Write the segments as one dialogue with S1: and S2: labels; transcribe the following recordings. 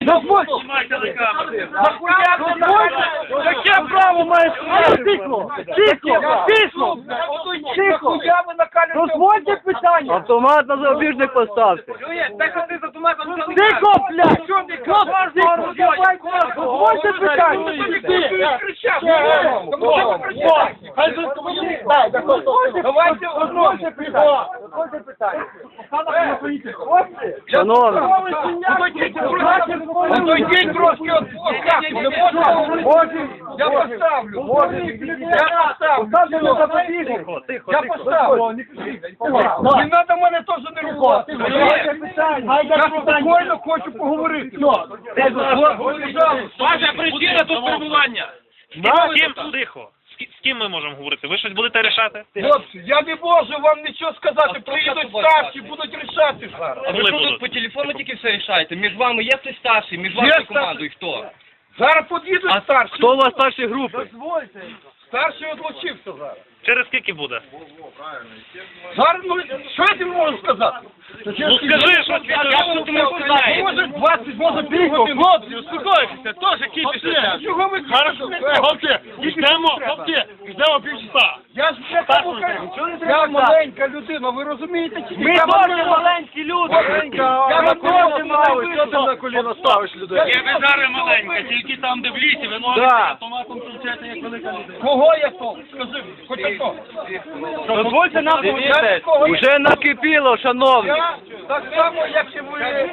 S1: Яке право маєш? Тихо! Тихо! Тихо! Тихо! Дозвольте питання!
S2: Автомат на запобіжник поставте.
S1: Тихо, блядь! Дозвольте питання! Давайте дозвольте питання!
S2: Шановні,
S1: Отойдіть трошки от я поставлю. Поставлю запобіжник. Я поставлю. Не треба мене теж не рухати. Я спокійно хочу поговорити.
S3: Ваша причина тут перебування. З ким? Тихо. З ким ми можемо говорити? Ви щось будете рішати?
S1: Хлопці, я не можу вам нічого сказати. Приїдуть старші, будуть рішати зараз.
S3: А ви що тут
S4: по телефону тільки все рішаєте? Між вами є хтось старший, між вашою командою хто?
S1: Зараз під'їдуть старші.
S2: хто у вас старші групи?
S1: Старший отлучився зараз.
S3: через скільки буде?
S1: Зараз, ну, що я тобі можу сказати?
S3: Ну скажи, що ти не знаєш.
S1: Може 20, може півгодини.
S5: Хлопці, успокойтеся, теж кіпіше.
S1: Чого ви
S5: Хорошо, хлопці, ждемо півчаса.
S1: Я ж не тому кажу, я маленька людина, ви розумієте? Чи ні?
S2: Ми
S1: Я
S2: теж
S1: вам-
S2: маленькі люди.
S1: Я на коліно ставлю, що ти на коліно ставиш людей?
S5: Я зараз маленька, тільки там, де в лісі, ви ноги автоматом кричите, як велика людина.
S1: Кого я то? Скажи, хоч хто.
S2: Дозвольте нам
S1: Я кого я?
S2: Уже накипіло, шановні.
S1: Я так само, як і ви.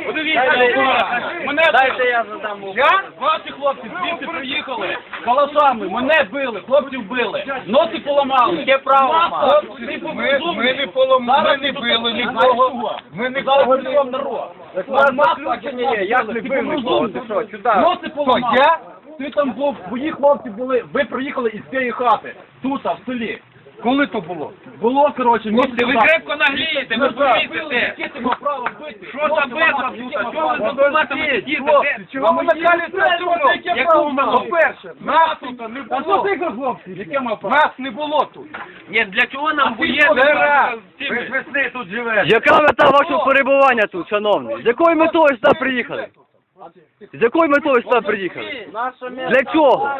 S2: Мене дайте я задам.
S1: Я?
S5: Ваші хлопці звідси приїхали калашами, мене били, хлопців били, носи поламали.
S2: Яке право має?
S1: Хлопці, ми не поламали, ми не били нікого. Ми не поламали.
S5: народ.
S2: У вас заключення є, як не бив нікого, ти що, сюди.
S5: Носи поламали.
S1: Я?
S5: Ти там був, твої хлопці були, ви приїхали із цієї хати, тут, в селі.
S1: Коли то було?
S5: Було, коротше, місце.
S3: Ви крепко наглієте, ви помітите.
S5: Яке ти мав право бити?
S3: Що за битва тут? Що ви з автоматами сидіте?
S1: Чого ви накалюєте сумно?
S5: Якого ми мали?
S1: По-перше, нас тут не
S5: А що
S1: було.
S5: ти, хлопці? Яке мав право?
S1: Нас не було тут.
S3: Ні, для чого нам
S1: Ви ж
S3: воєнні?
S1: весни тут живете.
S2: Яка мета вашого перебування тут, шановні? З якою метою сюди приїхали? З якою метою сюди приїхали? Для чого?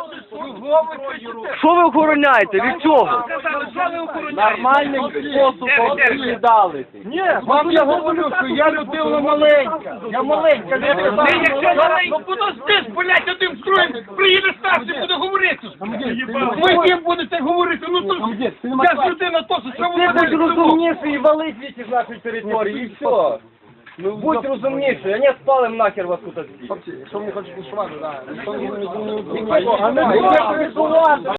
S2: Що ви охороняєте? Від чого?
S3: Нормальним
S2: способом
S3: віддали.
S1: Ні, вам я говорю, що я людина маленька. Я маленька людина.
S3: Ти якщо маленька,
S1: ну подожди, блядь, одним строєм приїде старший, буде говорити. Ви з ним будете говорити, ну то ж, я ж людина теж, що ви
S2: Будь розумніший і вали звідси з нашої території, і все. Ну, будь розумніший, а не спалим нахер вас тут.
S1: Що мені хочеш пішувати, так.
S2: А ми